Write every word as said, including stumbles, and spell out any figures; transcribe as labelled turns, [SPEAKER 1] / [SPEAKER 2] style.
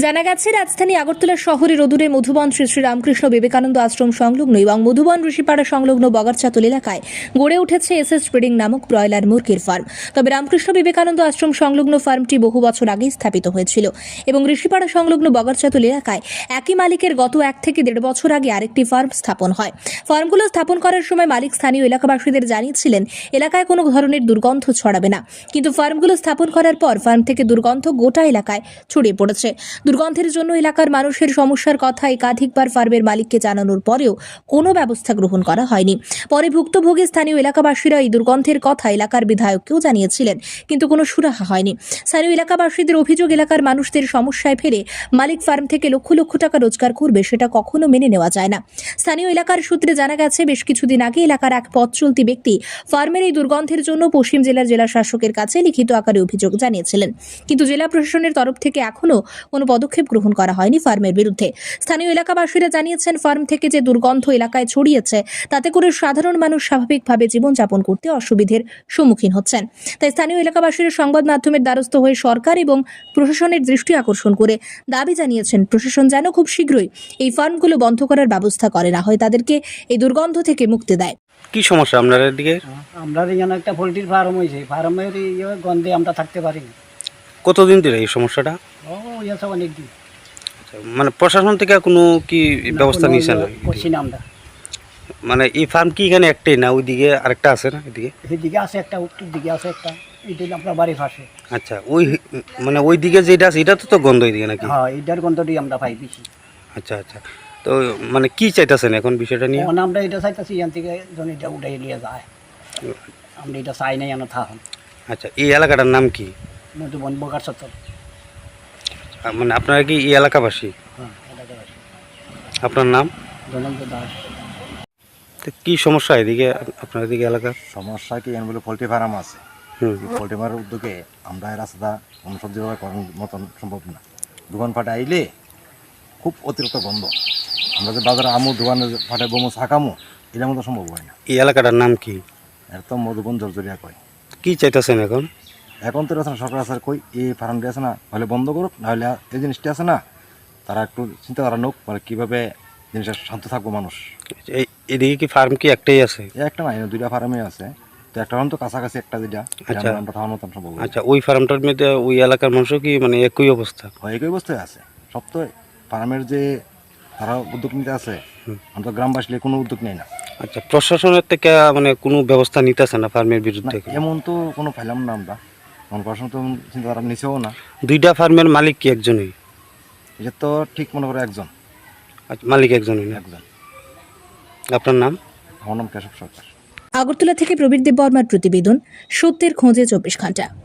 [SPEAKER 1] জানা গেছে রাজধানী আগরতলা শহরের অদূরে মধুবন শ্রী শ্রী রামকৃষ্ণ বিবেকানন্দ আশ্রম সংলগ্ন এবং মধুবন ঋষিপাড়া সংলগ্ন বগারচাতল এলাকায় গড়ে উঠেছে এস এস ব্রিডিং নামক ব্রয়লার মুরগির ফার্ম। তবে রামকৃষ্ণ বিবেকানন্দ আশ্রম সংলগ্ন ফার্মটি বহু বছর আগেই স্থাপিত হয়েছিল এবং ঋষিপাড়া সংলগ্ন বগারচাতল এলাকায় একই মালিকের গত এক থেকে দেড় বছর আগে আরেকটি ফার্ম স্থাপন হয়। ফার্মগুলো স্থাপন করার সময় মালিক স্থানীয় এলাকাবাসীদের জানিয়েছিলেন এলাকায় কোনো ধরনের দুর্গন্ধ ছড়াবে না, কিন্তু ফার্মগুলো স্থাপন করার পর ফার্ম থেকে দুর্গন্ধ গোটা এলাকায় ছড়িয়ে পড়েছে। দুর্গন্ধের জন্য এলাকার মানুষের সমস্যার কথা একাধিকবার ফার্মের মালিককে জানানোর পরেও কোনো ব্যবস্থা গ্রহণ করা হয়নি। পরে ভুক্তভোগী স্থানীয় এলাকাবাসীরা এই দুর্গন্ধের কথা এলাকার বিধায়ককেও জানিয়েছিলেন, কিন্তু কোনো সুরাহা হয়নি। স্থানীয় এলাকাবাসীদের অভিযোগ, এলাকার মানুষদের সমস্যায় ফেলে মালিক ফার্ম থেকে লক্ষ লক্ষ টাকা রোজগার করবে, সেটা কখনো মেনে নেওয়া যায় না। স্থানীয় এলাকার সূত্রে জানা গেছে বেশ কিছুদিন আগে এলাকার এক পথ চলতি ব্যক্তি ফার্মের এই দুর্গন্ধের জন্য পশ্চিম জেলার জেলা শাসকের কাছে লিখিত আকারে অভিযোগ জানিয়েছিলেন, কিন্তু জেলা প্রশাসনের তরফ থেকে এখনো কোনো পদক্ষেপ গ্রহণ করা হয়নি ফার্মের বিরুদ্ধে। স্থানীয় এলাকাবাসীরা জানিয়েছেন ফার্ম থেকে যে দুর্গন্ধ এলাকায় ছড়িয়েছে তাতে করে সাধারণ মানুষ স্বাভাবিকভাবে জীবনযাপন করতে অসুবিধার সম্মুখীন হচ্ছেন। তাই স্থানীয় এলাকাবাসীরা সংবাদ মাধ্যমের দ্বারস্থ হয়ে সরকার এবং প্রশাসনের দৃষ্টি আকর্ষণ করে দাবি জানিয়েছেন প্রশাসন যেন খুব শীঘ্রই এই ফার্মগুলো বন্ধ করার ব্যবস্থা করে, না হয় তাদেরকে এই দুর্গন্ধ থেকে মুক্তি দেয়।
[SPEAKER 2] কি সমস্যা আপনাদের দিকে?
[SPEAKER 3] আমরা এখানে একটা পোলট্রির ফার্ম হয়েছে, ফার্মের গন্ধে আমরা থাকতে পারি না।
[SPEAKER 2] কতদিন ধরে এই সমস্যাটা?
[SPEAKER 3] ও হয়েছে অনেকদিন।
[SPEAKER 2] মানে প্রশাসন থেকে কোনো কি ব্যবস্থা নিয়েছেন?
[SPEAKER 3] করছি না আমরা।
[SPEAKER 2] মানে এই ফার্ম কি এখানে একটাই না, ওইদিকে আরেকটা আছে না? এদিকে
[SPEAKER 3] এদিকে আছে একটা, উত্তর দিকে আছে একটা, এটা আপনার বাড়ির পাশে।
[SPEAKER 2] আচ্ছা, ওই মানে ওইদিকে যেটা আছে এটা তো তো গন্ধ ওইদিকে নাকি?
[SPEAKER 3] হ্যাঁ, এইটার গন্ধটি আমরা পাই বেশি।
[SPEAKER 2] আচ্ছা আচ্ছা, তো মানে কি চাইতেছেন এখন বিষয়টা নিয়ে?
[SPEAKER 3] এখন আমরা এটা চাইতেছি এখান থেকে যেন এটা উঠাই নিয়ে যায়, আমরা এটা চাই নাই এনে থাকুন।
[SPEAKER 2] আচ্ছা, এই এলাকাটার নাম কি?
[SPEAKER 3] মধুবন বগারচাতল।
[SPEAKER 2] মানে আপনারা কি এই এলাকাবাসী?
[SPEAKER 3] হ্যাঁ, এলাকাবাসী।
[SPEAKER 2] আপনার নাম?
[SPEAKER 3] জনন্ত দাস।
[SPEAKER 2] তো কি সমস্যা এদিকে আপনার এদিকে এলাকা?
[SPEAKER 4] সমস্যা কি এন বলে পোলট্রি ফার্ম আছে,
[SPEAKER 2] হুম,
[SPEAKER 4] পোলট্রি ফার্মের উদ্যোগে আমরা এই রাস্তা অনুসজ্জিতভাবে করার মতন সম্ভব না। দোকান ফাটে আইলে খুব অতিরিক্ত গন্ধ, আমরা যে বাজারে আমু দোকানে ফাটে বমু শাকামু এটার মতো সম্ভব হয় না।
[SPEAKER 2] এই এলাকাটার নাম কি?
[SPEAKER 4] এর তো মধুবন জর্জরিয়া কয়।
[SPEAKER 2] কি চাইতেছেন এখন?
[SPEAKER 4] এখন তো আছে না, সরকার আছে কই এই ফার্মটি আছে না, হলে বন্ধ করুক, নাহলে এই জিনিসটি আছে না তারা একটু চিন্তা করা নোক, মানে কীভাবে জিনিসটা শান্ত থাকবো মানুষ।
[SPEAKER 2] এই এদিকে কি ফার্ম কি একটাই আছে?
[SPEAKER 4] এই একটা নাই, দুইটা ফার্মে আছে, তো একটা ফার্ম তো কাছাকাছি একটা যেটা
[SPEAKER 2] আচ্ছা।
[SPEAKER 4] আমরা থাকার মতন সম্ভব।
[SPEAKER 2] আচ্ছা, ওই ফার্মটার মধ্যে ওই এলাকার মানুষও কি মানে একই অবস্থা?
[SPEAKER 4] একই অবস্থায় আছে সব। তো ফার্মের যে তারা উদ্যোগ নিতে আছে, আমরা তো গ্রামবাসী কোনো উদ্যোগ নেই না।
[SPEAKER 2] আচ্ছা, প্রশাসনের থেকে মানে কোনো ব্যবস্থা নিতেছে না ফার্মের বিরুদ্ধে?
[SPEAKER 4] এমন তো কোনো পাইলাম না আমরা, এমন প্রশাসন তো চিন্তা তারা নিছেও না।
[SPEAKER 2] দুইটা ফার্মের মালিক কি একজনই?
[SPEAKER 4] এটা তো ঠিক মনে করে একজন।
[SPEAKER 2] আচ্ছা, মালিক একজনই না?
[SPEAKER 4] একজন।
[SPEAKER 2] আপনার নাম?
[SPEAKER 4] আমার নাম কেশব সরকার।
[SPEAKER 1] আগরতলা থেকে প্রবীর দেব বর্মার প্রতিবেদন, সত্যের খোঁজে চব্বিশ ঘন্টা।